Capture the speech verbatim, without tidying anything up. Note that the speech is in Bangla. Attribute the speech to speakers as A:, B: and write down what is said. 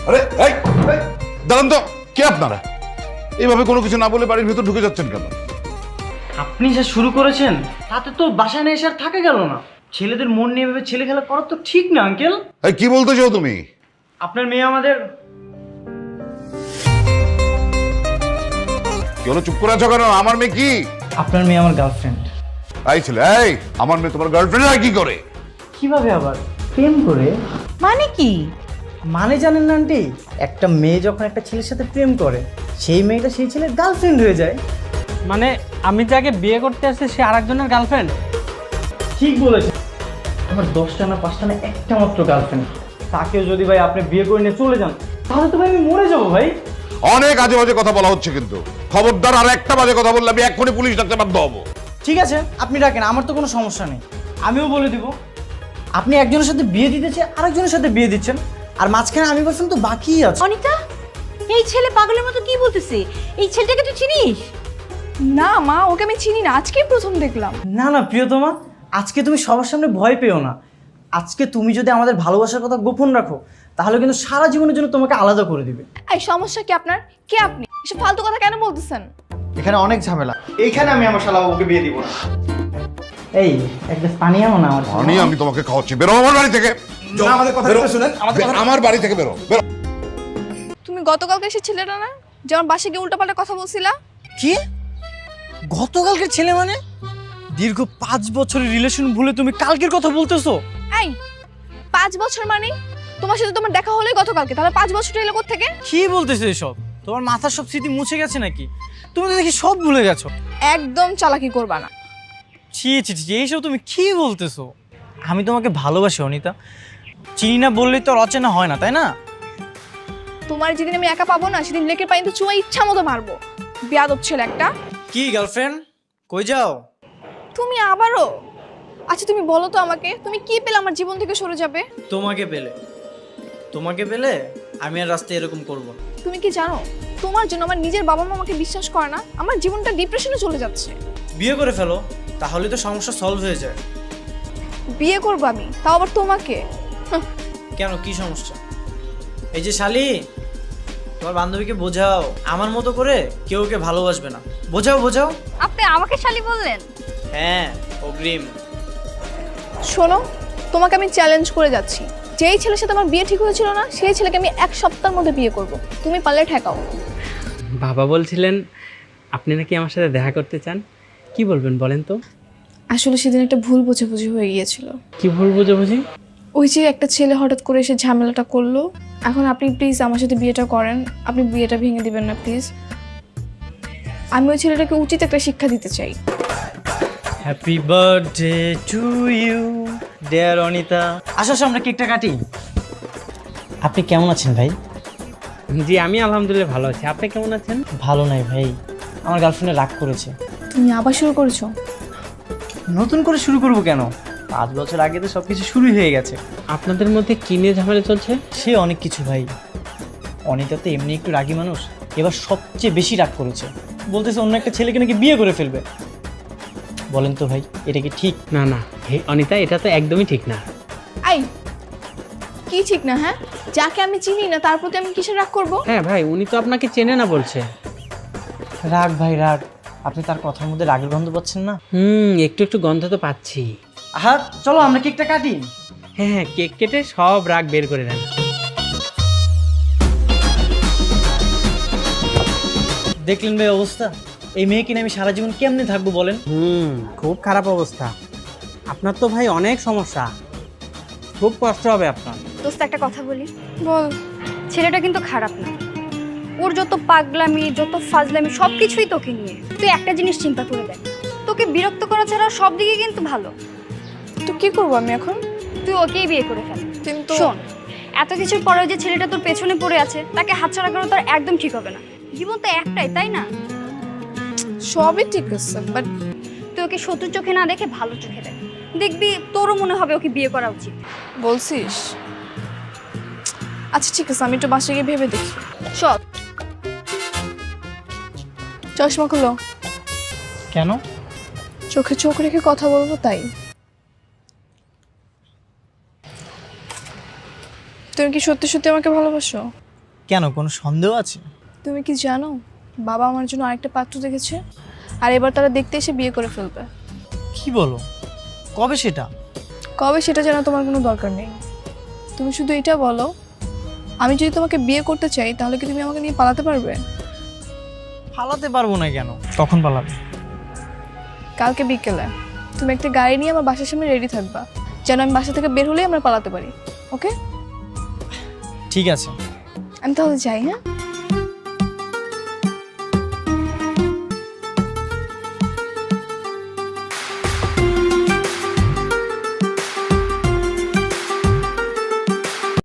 A: আরে এই এই, দাঁড়ান তো, কে আপনারা? এইভাবে কোনো কিছু না বলে বাড়ির ভিতর ঢুকে যাচ্ছেন কেন?
B: আপনি যা শুরু করেছেন তাতে তো বাসায় না এসে আর থাকা গেল না। ছেলেদের মন নিয়ে ভেবে ছেলে খেলা করা তো ঠিক না আঙ্কেল।
A: এই কি বলতে চাও তুমি?
B: আপনার মেয়ে আমাদের।
A: কি হলো, চুপ করে আছো কেন? আমার মেয়ে কি?
B: আপনার মেয়ে আমার গার্লফ্রেন্ড।
A: এই ছেলে, এই আমার মেয়ে তোমার গার্লফ্রেন্ড আর কি করে?
B: কিভাবে আবার? প্রেম করে।
C: মানে কি?
B: মানে জানেন না আন্টি, একটা মেয়ে যখন একটা ছেলের সাথে প্রেম করে সেই মেয়েটা সেই ছেলের গার্লফ্রেন্ড হয়ে যায়।
D: মানে আমি যাকে বিয়ে করতে আসছি সে আরেকজনের গার্লফ্রেন্ড?
B: ঠিক বলেছেন। আমার দশটা না পাঁচটা না একটা মাত্র গার্লফ্রেন্ড। তাকেও যদি ভাই আপনি বিয়ে করে নিয়ে চলে যান তাহলে তো ভাই আমি মরে যাবো ভাই।
A: অনেক আজে বাজে কথা বলা হচ্ছে কিন্তু। খবরদার আর একটা বাজে কথা বললে আমি এক্ষুনি পুলিশ ডাকতে বাধ্য হবো।
B: ঠিক আছে আপনি ডাকেন, আমার তো কোনো সমস্যা নেই। আমিও বলে দিব আপনি একজনের সাথে বিয়ে দিতেছে আরেকজনের সাথে বিয়ে দিচ্ছেন, আর মাঝখানে আমি বলছেন তো বাকিই আছে।
C: অনিতা, এই ছেলে পাগলের মতো কি বলতেছে? এই ছেলেটাকে তুই চিনিস?
E: না মা, ওকে আমি চিনি না, আজকেই প্রথম দেখলাম।
B: না না প্রিয়তমা, আজকে তুমি সবার সামনে ভয় পেও না। আজকে তুমি যদি আমাদের ভালোবাসার কথা গোপন রাখো তাহলে কিন্তু সারা জীবনের জন্য তোমাকে আলাদা করে দিবে।
E: এই সমস্যা কি আপনার? কে আপনি? এসব ফালতু কথা কেন বলতেছেন?
B: এখানে অনেক ঝামেলা, এইখানে আমি আমার শালা বাবুকে বিয়ে দিব না। এই এক গ্লাস পানি আনো না আমার জন্য।
A: আমি আমি তোমাকে খাওয়াচ্ছি, বেরো আমার বাড়ি থেকে।
B: না, আমাদের কথাটা শুনেন, আমাদের কথা-
A: আমার বাড়ি থেকে বেরো, বেরো।
E: তুমি গতকালকে এসে ছেলেটা না, যেমন বাসে গিয়ে উল্টাপাল্টা কথা বলছিলা?
B: কি? গতকালকের ছেলে মানে? দীর্ঘ পাঁচ বছরের রিলেশন ভুলে তুমি কালকের কথা বলতেছো?
E: এই পাঁচ বছর মানে তোমার সাথে তোমার দেখা হলোই গতকালকে, তাহলে পাঁচ বছর এলো কোত্থেকে?
B: কি বলতেছো এসব? তোমার মাথার সব স্মৃতি মুছে গেছে নাকি? তুমি তো দেখি সব ভুলে গেছো।
E: একদম চালাকি করবা না।
B: ছি ছি ছি, এইসব তুমি কি বলতেছো? আমি তোমাকে ভালোবাসি অনিতা, চিনি না বললেই তো আর অচেনা হয় না, তাই না?
E: তোমার যেদিন আমি একা পাবো না সেদিন লেকের পানিতে চুমা ইচ্ছা মতো মারবো। বেয়াদব ছেলে একটা।
B: কি গার্লফ্রেন্ড, কই যাও?
E: তুমি আবারও? আচ্ছা তুমি বলো তো আমাকে, তুমি কি পেলে আমার জীবন থেকে সরে যাবে?
B: তোমাকে পেলে তোমাকে পেলে আমি আর রাস্তায় এরকম করব না।
E: তুমি কি জানো তোমার জন্য আমার নিজের বাবা মা আমাকে বিশ্বাস করে না, আমার জীবনটা ডিপ্রেশনে চলে যাচ্ছে।
B: বিয়ে করে ফেলো, তাহলে তো সমস্যা সলভ হয়ে যায়।
E: বিয়ে করবো আমি, তাও আবার তোমাকে? হাহ,
B: কেন, কি সমস্যা? এই যে শালি, তোমার বান্ধবীকে বোঝাও আমার মতো করে কেউ ওকে ভালোবাসবে না। বোঝাও বোঝাও।
C: আপনি আমাকে শালি বললেন?
B: হ্যাঁ, অগ্রিম।
E: শোনো, তোমাকে আমি চ্যালেঞ্জ করে যাচ্ছি, যেই ছেলের সাথে আমার বিয়ে ঠিক হয়েছিল না সেই ছেলেকে আমি এক সপ্তাহের মধ্যে বিয়ে করব। তুমি পারলে ঠেকাও।
D: বাবা বলছিলেন আপনি নাকি আমার সাথে দেখা করতে চান, কি বলবেন বলেন তো?
E: আসলে সেদিন একটা ভুল বোঝাবুঝি হয়ে গিয়েছিল।
D: কি ভুল বোঝাবুঝি?
E: ওই যে একটা ছেলে হঠাৎ করে এসে ঝামেলাটা করলো। এখন আপনি প্লিজ আমার সাথে বিয়েটা করেন, আপনি বিয়েটা ভেঙে দিবেন না প্লিজ। আমি ওই ছেলেটাকে উচিত একটা শিক্ষা দিতে চাই।
B: Happy birthday to you dear Anita. আসো আসো, আমরা কেকটা কাটি। আপনি কেমন আছেন ভাই?
D: জি আমি আলহামদুলিল্লাহ ভালো আছি, আপনি কেমন আছেন?
B: ভালো নাই ভাই, আমার গার্লফ্রেন্ডে রাগ করেছে।
E: তুমি আবার শুরু করেছো?
B: নতুন করে শুরু করব কেন? পাঁচ বছর আগে তো সব কিছু শুরুই হয়ে গেছে।
D: আপনাদের মধ্যে কি নিয়ে ঝামেলা চলছে?
B: সে অনেক কিছু ভাই। অনিতা তো এমনি একটু রাগী মানুষ, এবার সবচেয়ে বেশি রাগ করেছে। বলতেছে অন্য একটা ছেলেকে নাকি বিয়ে করে ফেলবে। বলেন তো ভাই, এটা কি ঠিক?
D: না না হে অনিতা, এটা তো একদমই ঠিক না।
E: আই কি ঠিক না? হ্যাঁ, যাকে আমি চিনি না তার প্রতি আমি কিসের রাগ করব?
D: হ্যাঁ ভাই, উনি তো আপনাকে চেনে না বলছে।
B: রাগ ভাই রাগ, আপনি তার কথার মধ্যে রাগের গন্ধ পাচ্ছেন না?
D: হুম, একটু একটু গন্ধ তো পাচ্ছি।
B: আহা চলো আমরা কেকটা কাটি।
D: হ্যাঁ হ্যাঁ, কেক কেটে সব রাগ বের করে দেন।
B: দেখলেন ভাই অবস্থা? এই মেয়ে কিনে আমি সারা জীবন কেমনে থাকবো বলেন?
D: হুম, খুব খারাপ অবস্থা। আপনার তো ভাই অনেক সমস্যা, খুব কষ্ট হবে আপনার।
F: দোস্ত একটা কথা বলি,
E: বল।
F: ছেলেটা কিন্তু খারাপ না। ওর যত পাগলামি যত ফাজলামি সব কিছুই তোকে নিয়ে। তুই একটা জিনিস চিন্তা করে দেখ, তোকে বিরক্ত করা ছাড়া সব দিকে কিন্তু ভালো।
E: তো কি করবো আমি এখন?
F: তুই ওকেই বিয়ে করে ফেল।
E: কিন্তু
F: শোন, এত কিছুর পরেও যে ছেলেটা তোর পেছনে পড়ে আছে তাকে হাতছাড়া করা তোর একদম ঠিক হবে না। জীবন তো একটাই, তাই না?
E: সবই ঠিক আছে, বাট
F: তুই ওকে শত্রু চোখে না দেখে ভালো চোখে দেখ, দেখবি তোরও মনে হবে ওকে বিয়ে করা উচিত।
E: বলছিস? আচ্ছা ঠিক আছে, আমি একটু বাসায় গিয়ে ভেবে দেখি।
F: চল।
E: চশমা খুলো।
B: কেন?
E: চোখে চোখ রেখে কথা বলবো তাই। তুমি কি সত্যি সত্যি আমাকে ভালোবাসো?
B: কেন, কোনো সন্দেহ আছে?
E: তুমি কি জানো বাবা আমার জন্য আরেকটা পাত্র দেখেছে, আর এবার তারা দেখতে এসে বিয়ে করে ফেলবে।
B: কি বলো, কবে সেটা?
E: কবে সেটা জানা তোমার কোনো দরকার নেই। তুমি শুধু এটা বলো, আমি যদি তোমাকে বিয়ে করতে চাই তাহলে কি তুমি আমাকে নিয়ে পালাতে পারবে?
B: পালাতে পারবো না কেন? কখন পালাবে?
E: কালকে বিকেলে তুমি একটা গাড়ি নিয়ে আমার বাসার সামনে রেডি থাকবা, যেন আমি বাসা থেকে বের হলেই আমরা পালাতে পারি। ওকে,
B: ঠিক আছে।
E: আমি তাহলে যাই। হ্যাঁ।